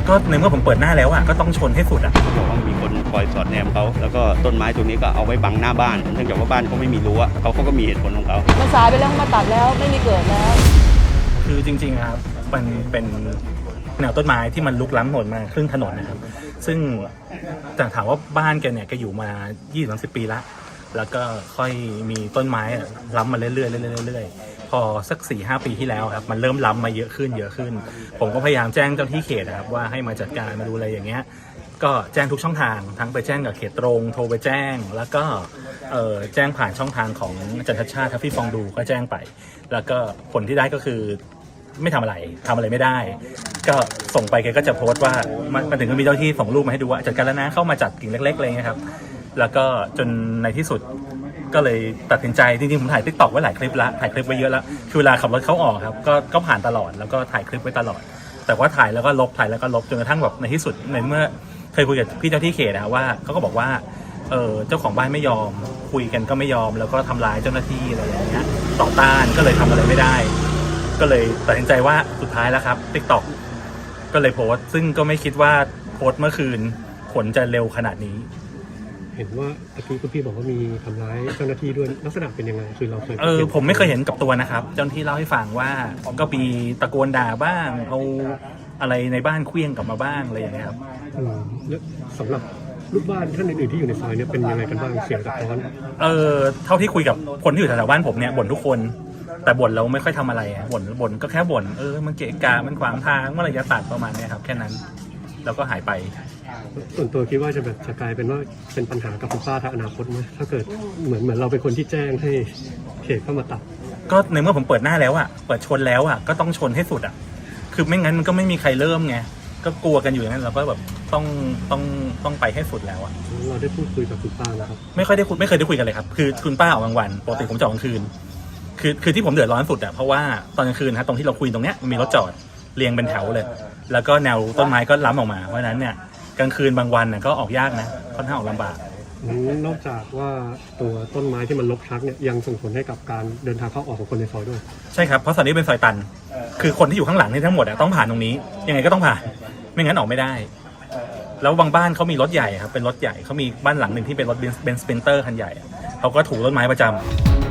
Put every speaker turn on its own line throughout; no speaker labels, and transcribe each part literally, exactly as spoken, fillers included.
ก็ในเมื่อผมเปิดหน้าแล้วอ่ะก็ต้องชนให้สุดอ่ะ
เขาบอกว่ามีคนคอยสอดแนมเขาแล้วก็ต้นไม้ตรงนี้ก็เอาไว้บังหน้าบ้านเนื่องจากว่าบ้านเขาไม่มีรั้วเขาเขาก็มีเหตุผลของเขา
มันสายไปแล้วมาตัดแล้วไม่มีเกิดแล้ว
คือจริงๆครับมันเป็นแนวต้นไม้ที่มันลุกล้ำถนนมาครึ่งถนนนะครับซึ่งแต่ถามว่าบ้านแกเนี่ยแกอยู่มา ยี่สิบถึงสามสิบ ปีละแล้วก็ค่อยมีต้นไม้ล้ำมาเรื่อยๆเรื่อยๆเรื่อยๆพอสัก สี่ห้า ปีที่แล้วครับมันเริ่มล้ำมาเยอะขึ้นเยอะขึ้นผมก็พยายามแจ้งเจ้าที่เขตนะครับว่าให้มาจัดการมาดูอะไรอย่างเงี้ยก็แจ้งทุกช่องทางทั้งไปแจ้งกับเขตตรงโทรไปแจ้งแล้วก็เอ่อแจ้งผ่านช่องทางของอาจารย์ชัชชาติทัฟฟี่ฟองดูก็แจ้งไปแล้วก็ผลที่ได้ก็คือไม่ทำอะไรทำอะไรไม่ได้ก็ส่งไปแกก็จะโพสต์ว่ามันถึงก็มีเจ้าที่ส่งรูปมาให้ดูว่าจัดการแล้วนะเข้ามาจัดกิ่งเล็กๆอะไรเงี้ยครับแล้วก็จนในที่สุดก็เลยตัดสินใจจริงๆผมถ่ายติ๊กต็อกไว้หลายคลิปแล้วถ่ายคลิปไว้เยอะแล้วคือเวลาขับรถเข้าออกครับก็ก็ผ่านตลอดแล้วก็ถ่ายคลิปไว้ตลอดแต่ว่าถ่ายแล้วก็ลบถ่ายแล้วก็ลบจนกระทั่งแบบในที่สุดในเมื่อเคยคุยกับพี่เจ้าที่เขตนะว่าเขาก็บอกว่าเออเจ้าของบ้านไม่ยอมคุยกันก็ไม่ยอมแล้วก็ทำร้ายเจ้าหน้าที่อะไรอย่างเงี้ยต่อต้านก็เลยทำอะไรไม่ได้ก็เลยตัดสินใจว่าสุดท้ายแล้วครับ TikTok ก็เลยโพสต์ซึ่งก็ไม่คิดว่าโพสต์เมื่อคืนผลจะเร็วขนาดนี้
เห็นว่าตะกี้คุณพี่บอกว่ามีทำร้ายเจ้าหน้าที่ด้วยลักษณะเป็นยังไงคือเราเคย
เออผมไม่เคยเห็นกับตัวนะครับเจ้าหน้าที่เล่าให้ฟังว่าก็มีตะโกนด่าบ้างเอาอะไรในบ้านเคลี้ยงกลับมาบ้างอะไรอย่างเงี้ยครับ
อืมแล้วสำหรับลูกบ้านท่านอื่นๆที่อยู่ในซอยเนี่ยเป็นยังไงกันบ้างเสียงสะท้อน
เออเท่าที่คุยกับคนที่อยู่แถวๆบ้านผมเนี่ยบ่นทุกคนแต่บ่นเราไม่ค่อยทำอะไรบ่นบ่นก็แค่บ่นเออมันเกะกะมันขวางทางเมื่อไหร่จะตัดประมาณนี้ครับแค่นั้นแล้วก็หายไป
ส่วนตัวคิดว่าจะแบบจะกลายเป็นว่าเป็นปัญหากับคุณป้าทางอนาคตไหมถ้าเกิดเหมือนเหมือนเราเป็นคนที่แจ้งให้เขตเข้ามาตัด
ก็ในเมื่อผมเปิดหน้าแล้วอ่ะเปิดชนแล้วอ่ะก็ต้องชนให้สุดอ่ะคือไม่งั้นมันก็ไม่มีใครเริ่มไงก็กลัวกันอยู่อย่างนั้นเราก็แบบต้องต้องต้องไปให้สุดแล้วอ่ะ
เราได้พูดคุยกับคุณป้าแล้วครับ
ไม่ค่อยได้คุยไม่เคยได้คุยกันเลยครับคือคุณป้าออกกลางวันปกติผมจะออกกลางคืนคือคือที่ผมเดือดร้อนสุดอ่ะเพราะว่าตอนกลางคืนฮะตรงที่เราคุยตรงเนี้ยมันมีรถจอดเรียงเป็นแถวเลยแล้วก็แนวต้นไม้ก็ล้ำออกมาเพราะฉะนั้นเนี่ยกลางคืนบางวันน่ะก็ออกยากนะค่อนข้างออกลำบาก
นอกจากว่าตัวต้นไม้ที่มันรกชักเนี่ยยังส่งผลให้กับการเดินทางเข้าออกของคนในซอยด้วย
ใช่ครับเพราะซอยนี้เป็นซอยตันคือคนที่อยู่ข้างหลังนี่ทั้งหมดต้องผ่านตรงนี้ยังไงก็ต้องผ่านไม่งั้นออกไม่ได้แล้วบางบ้านเขามีรถใหญ่ครับเป็นรถใหญ่เขามีบ้านหลังหนึ่งที่เป็นรถเบนซ์สเปนเตอร์คันใหญ่เขาก็ถูกต้นไม้ประจำ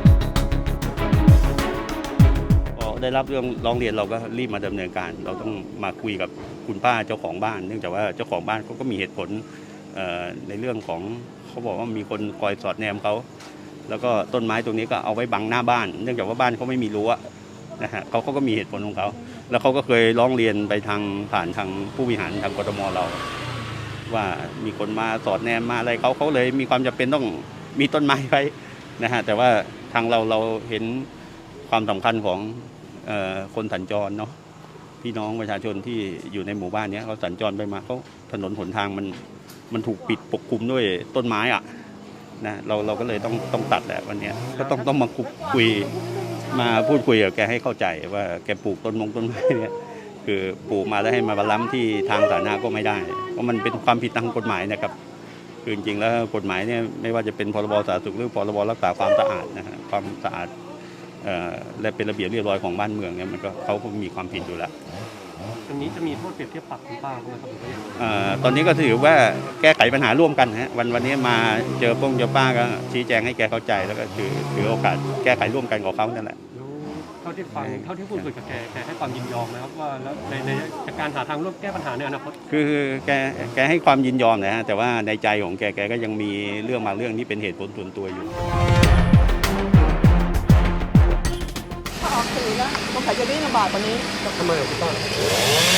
ได้รับเรื่องร้องเรียนเราก็รีบมาดำเนินการเราต้องมาคุยกับคุณป้าเจ้าของบ้านเนื่องจากว่าเจ้าของบ้านเขาก็มีเหตุผลในเรื่องของเขาบอกว่ามีคนคอยสอดแนมเขาแล้วก็ต้นไม้ตรงนี้ก็เอาไว้บังหน้าบ้านเนื่องจากว่าบ้านเขาไม่มีรั้วนะฮะเขาเขาก็มีเหตุผลของเขาแล้วเขาก็เคยร้องเรียนไปทางผ่านทางผู้บริหารทางกทมเราว่ามีคนมาสอดแนมมาอะไรเขาเขาเลยมีความจำเป็นต้องมีต้นไม้ไว้นะฮะแต่ว่าทางเราเราเห็นความสำคัญของคนสัญจรเนาะพี่น้องประชาชนที่อยู่ในหมู่บ้านนี้เขาสัญจรไปมาเขาถนนหนทางมันมันถูกปิดปกคลุมด้วยต้นไม้อ่ะนะเราเราก็เลยต้องต้องตัดแหละวันนี้ก็ต้องต้องมาคุยมาพูดคุยกับแกให้เข้าใจว่าแกปลูกต้นมงต้นไม้เนี่ยคือปลูกมาแล้วให้มาบรรล้ำที่ทางสาธารณะก็ไม่ได้เพราะมันเป็นความผิดทางกฎหมายนะครับคือจริงๆแล้วกฎหมายเนี่ยไม่ว่าจะเป็นพรบสาธารณสุขหรือพรบรักษาความสะอาดนะฮะความสะอาดและเป็นระเบียบเรียบร้อยของบ้านเมืองเนี่ยมันก็เขาก็มีความผิดอยู่แล้ว
อันนี้จะมีโทษเปรียบเทียบปรับคุณป้าไหมครับหรือว่า
อย่างตอนนี้ก็ถือว่าแก้ไขปัญหาร่วมกันฮะวันวันนี้มาเจอป้งเจอป้าก็ชี้แจงให้แกเข้าใจแล้วก็ถือถือโอกาสแก้ไขร่วมกันกับเขานั่นแหละ
เท่าที่ฟังเท่าที่พูดคุยกับแกแกให้ความยินยอมนะครับว่าแล้วในในการหาทางร่วมแก้ปัญหาในอนาคต
คือแกแกให้ความยินยอมนะฮะแต่ว่าในใจของแกแกก็ยังมีเรื่องบางเรื่องที่เป็นเหตุผลส่วนตัวอยู่
ออกสื่อแล้วสงสัยจะวิ่งลำบากกว่านี้
ทำไมอ่ะคุณป้า
ไม่พูด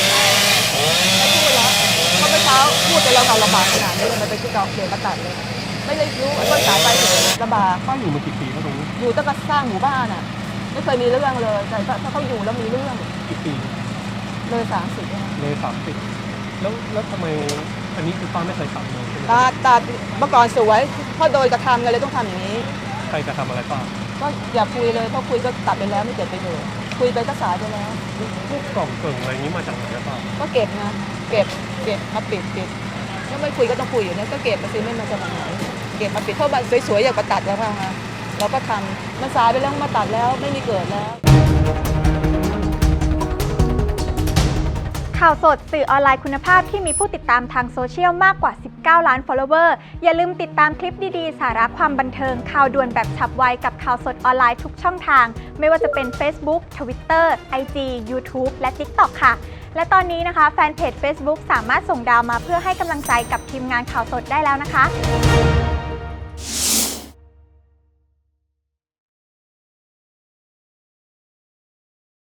แล้วเมื่อเช้าพูดแต่เราเอาลำบากขนาดนี้มันไปที่กองเขียนประกาศเลยไม่ได้รู้ต้นสายไปถึงลำบาก
ป้าอยู่มากี่ปีแล้วตรงนี้
อยู่ตั้งแต่สร้างหมู่บ้านอ่ะไม่เคยมีเรื่องเลยแต่ถ้าเขาอยู่แล้วมีเรื่อง
กี่ปี
เลยสามสิบ
เลยสามสิบแล้วแล้วทำไมอันนี้คือป้าไม่เคยทำเลย
ตาตาเมื่อก่อนสวยเพราะโดยกระทำกันเลยต้องทำอย่างนี้
ใครจะทำอะไรป้า
ก็อย่าคุยเลยเพราะคุยก็ตัดไปแล้วไม่เกิดประโยชน์คุยไปก็สายไปแล้ว
พวกกล่องเกล่งอะไรนี้มาจากไหนป้า
ก็เก็บนะเก็บเก็บมาปิดปิดถ้าไม่คุยก็ต้องคุยอยู่เนี่ยก็เก็บมาซื้อไม่มาจากไหนเก็บมาปิดเพราะมันสวยๆอยากมาตัดแล้วค่ะเราก็ทำมันสายไปแล้วมาตัดแล้วไม่มีเกิดแล้ว
ข่าวสดสื่อออนไลน์คุณภาพที่มีผู้ติดตามทางโซเชียลมากกว่าสิบเก้าล้าน follower อย่าลืมติดตามคลิปดีๆสาระความบันเทิงข่าวด่วนแบบฉับไวกับข่าวสดออนไลน์ทุกช่องทางไม่ว่าจะเป็น Facebook Twitter ไอ จี YouTube และ TikTok ค่ะและตอนนี้นะคะแฟนเพจ Facebook สามารถส่งดาวมาเพื่อให้กำลังใจกับทีมงานข่าวสดได้แล้วนะคะ